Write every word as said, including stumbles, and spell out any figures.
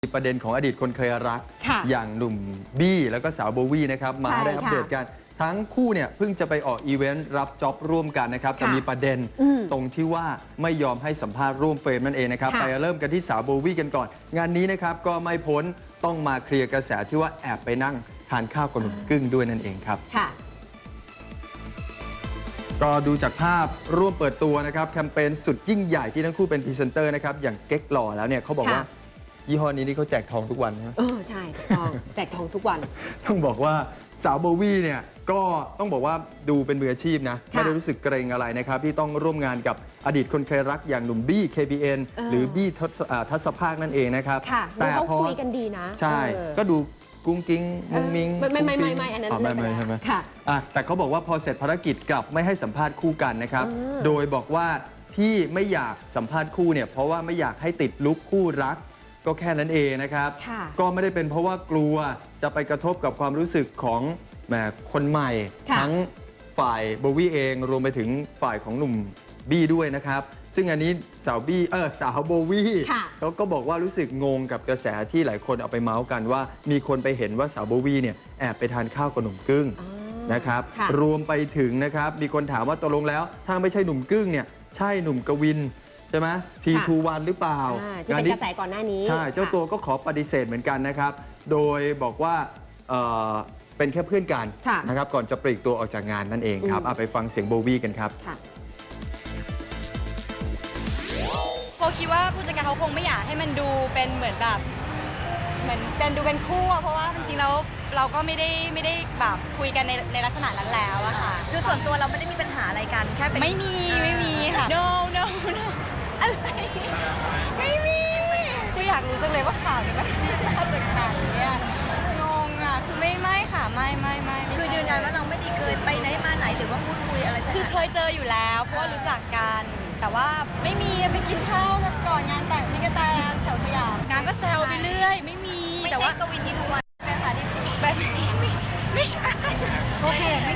มีประเด็นของอดีตคนเคยรักอย่างหนุ่มบี้แล้วก็สาวโบวี่นะครับมาได้อัปเดตกันทั้งคู่เนี่ยเพิ่งจะไปออกอีเวนต์รับจ็อบร่วมกันนะครับแต่มีประเด็นตรงที่ว่าไม่ยอมให้สัมภาษณ์ร่วมเฟรมนั่นเองนะครับไปเริ่มกันที่สาวโบวี่กันก่อนงานนี้นะครับก็ไม่พ้นต้องมาเคลียร์กระแสที่ว่าแอบไปนั่งทานข้าวกับหนุ่มกึ้งด้วยนั่นเองครับก็ดูจากภาพร่วมเปิดตัวนะครับแคมเปญสุดยิ่งใหญ่ที่ทั้งคู่เป็นพรีเซนเตอร์นะครับอย่างเก๊กหล่อแล้วเนี่ยเขาบอกว่ายี่ห้อนี้นี่เขาแจกทองทุกวันนะเออใช่ทองแจกทองทุกวันต้องบอกว่าสาวโบวี่เนี่ยก็ต้องบอกว่าดูเป็นมืออาชีพนะไม่ได้รู้สึกเกรงอะไรนะครับที่ต้องร่วมงานกับอดีตคนเคยรักอย่างหนุ่มบี้ เค พี เอ็น หรือบี้ทัศภาคนั่นเองนะครับแต่เขาคุยกันดีนะใช่ก็ดูกุ้งกิ้งมุ้งมิ้งไม่ไม่ไม่ไม่อันนั้นไม่ไม่ใช่ไหมค่ะแต่เขาบอกว่าพอเสร็จภารกิจกลับไม่ให้สัมภาษณ์คู่กันนะครับโดยบอกว่าที่ไม่อยากสัมภาษณ์คู่เนี่ยเพราะว่าไม่อยากให้ติดลุคคู่รักก็แค่นั้นเองนะครับก็ไม่ได้เป็นเพราะว่ากลัวจะไปกระทบกับความรู้สึกของแหมคนใหม่ทั้งฝ่ายโบวี่เองรวมไปถึงฝ่ายของหนุ่มบี้ด้วยนะครับซึ่งอันนี้สาวบี้เออสาวโบวี่เขาก็บอกว่ารู้สึกงงกับกระแสที่หลายคนเอาไปเมาส์กันว่ามีคนไปเห็นว่าสาวโบวี่เนี่ยแอบไปทานข้าวกับหนุ่มกึ้งนะครับรวมไปถึงนะครับมีคนถามว่าตกลงแล้วถ้าไม่ใช่หนุ่มกึ้งเนี่ยใช่หนุ่มกวินใช่ไหมทีทูวันหรือเปล่าที่เป็นกระแสก่อนหน้านี้ใช่เจ้าตัวก็ขอปฏิเสธเหมือนกันนะครับโดยบอกว่าเป็นแค่เพื่อนกันนะครับก่อนจะปลีกตัวออกจากงานนั่นเองครับเอาไปฟังเสียงโบวี่กันครับโบคิดว่าผู้จัดการเขาคงไม่อยากให้มันดูเป็นเหมือนแบบเหมือนเป็นดูเป็นคู่เพราะว่าจริงๆแล้วเราก็ไม่ได้ไม่ได้แบบคุยกันในในลักษณะนั้นแล้วอะค่ะคือส่วนตัวเราไม่ได้มีปัญหาอะไรกันแค่เป็นไม่มีไม่มีค่ะ no no no อะไรไม่มีคืออยากรู้จังเลยว่าข่าวนี้มันมาจากไหนเนี่ยงงอะคือไม่ไม่ค่ะไม่ไม่ไม่คือยืนยันว่าเราไม่ได้เคยไปไหนมาไหนหรือว่าพูดคุยอะไรคือเคยเจออยู่แล้วเพราะว่ารู้จักกันแต่ว่าไม่มีไปกินข้าวกันก่อนงานแต่งพี่กระแตแถวสยามงานก็แซวไปเรื่อยไม่มีแต่ว่ากวินที่ทุกวันใช่ไหมคะที่แบบนี้ไม่ไม่ใช่โอเคไม่